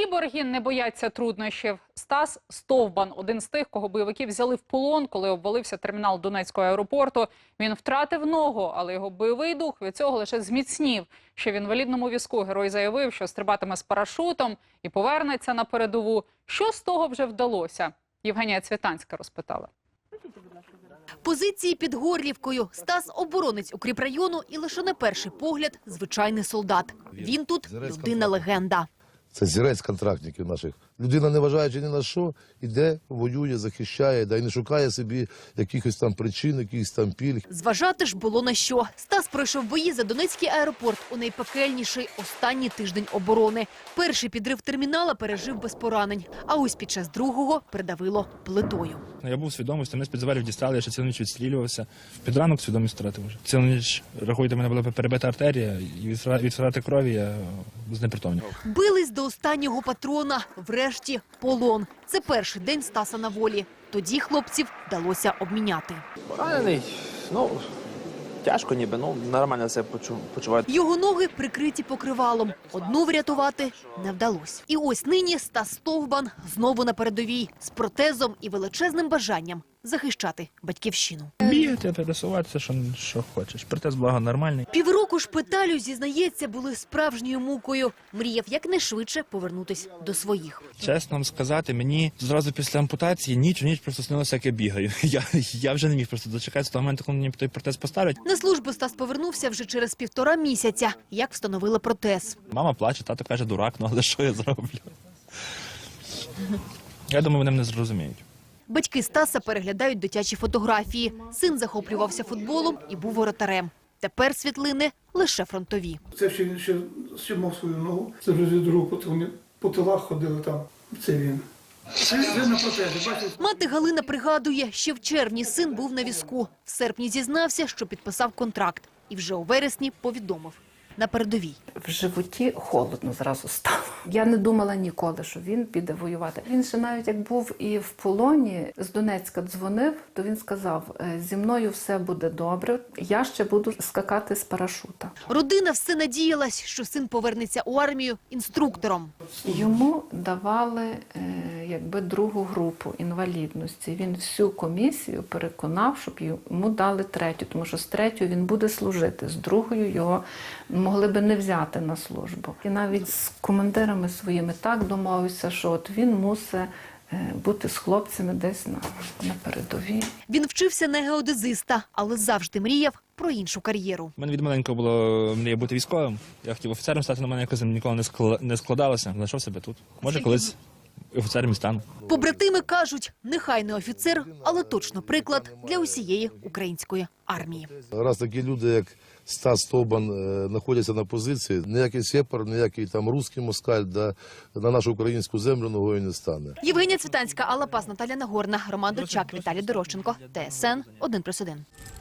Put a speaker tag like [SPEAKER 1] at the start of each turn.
[SPEAKER 1] Кіборги не бояться труднощів. Стас Стовбан – один з тих, кого бойовики взяли в полон, коли обвалився термінал Донецького аеропорту. Він втратив ногу, але його бойовий дух від цього лише зміцнів. Ще в інвалідному візку герой заявив, що стрибатиме з парашутом і повернеться на передову. Що з того вже вдалося? Євгенія Цвітанська розпитала.
[SPEAKER 2] Позиції під Горлівкою. Стас – оборонець укріпрайону і лише на перший погляд – звичайний солдат. Він тут – людина-легенда.
[SPEAKER 3] Це зірець контрактників наших. Людина, не вважаючи ні на що, іде, воює, захищає, да й не шукає собі якихось там причин, якихось там пільг.
[SPEAKER 2] Зважати ж було на що. Стас пройшов бої за Донецький аеропорт у найпекельніший останній тиждень оборони. Перший підрив термінала пережив без поранень, а ось під час другого придавило плитою.
[SPEAKER 4] Я був свідомий, що мене з-під завалів дістали, я ще цілу ніч відстрілювався. Під ранок свідомість втратив вже. Цілу ніч, рахуйте, мене була перебита артерія, і від втрати крові я знепритомнів.
[SPEAKER 2] Бились до останнього патрона, врешті полон. Це перший день Стаса на волі. Тоді хлопців вдалося обміняти.
[SPEAKER 5] Поранений, тяжко ніби, нормально себе почуваю.
[SPEAKER 2] Його ноги прикриті покривалом. Одну врятувати не вдалося. І ось нині Стас Стовбан знову на передовій. З протезом і величезним бажанням захищати батьківщину.
[SPEAKER 4] Бігати, пересуватися, що хочеш. Протез, благо, нормальний.
[SPEAKER 2] Півроку шпиталю, зізнається, були справжньою мукою. Мріяв якнайшвидше повернутись до своїх.
[SPEAKER 4] Чесно вам сказати, мені зразу після ампутації ніч просто снилося, як я бігаю. Я вже не міг просто дочекатися того моменту, коли мені той протез поставлять.
[SPEAKER 2] На службу Стас повернувся вже через 1,5 місяця, як встановили протез.
[SPEAKER 4] Мама плаче, тато каже, дурак, але що я зроблю? Я думаю, вони мене зрозуміють.
[SPEAKER 2] Батьки Стаса переглядають дитячі фотографії. Син захоплювався футболом і був воротарем. Тепер світлини лише фронтові.
[SPEAKER 6] Це ще мав свою ногу. Це вже від руку, вони по тилах ходили там. Це він. Він на протезі, бачите?
[SPEAKER 2] Мати Галина пригадує, ще в червні син був на візку. В серпні зізнався, що підписав контракт. І вже у вересні повідомив – на передовій.
[SPEAKER 7] В животі холодно зразу стало. Я не думала ніколи, що він піде воювати. Він ще навіть як був і в полоні, з Донецька дзвонив, то він сказав, зі мною все буде добре, я ще буду скакати з парашута.
[SPEAKER 2] Родина все надіялась, що син повернеться у армію інструктором.
[SPEAKER 7] Йому давали другу групу інвалідності. Він всю комісію переконав, щоб йому дали третю, тому що з третьою він буде служити, з другою його могли би не взяти на службу. І навіть з командирами своїми так домовився, що от він мусить бути з хлопцями десь на передовій.
[SPEAKER 2] Він вчився на геодезиста, але завжди мріяв про іншу кар'єру.
[SPEAKER 4] У мене від маленького було мрія бути військовим. Я хотів офіцером стати, але мене якось ніколи не складалося. Знайшов себе тут. Може, колись офіцером і стану.
[SPEAKER 2] Побратими кажуть, нехай не офіцер, але точно приклад для усієї української армії.
[SPEAKER 3] Раз такі люди, як Стас Стовбан, знаходяться на позиції, ніякий сепар, ніякий там русський москаль на нашу українську землю ногою не стане.
[SPEAKER 2] Євгенія Цвітанська, Алла Пас, Наталя Нагорна, Роман Дочак, Віталій Дорощенко, ТСН 1+1.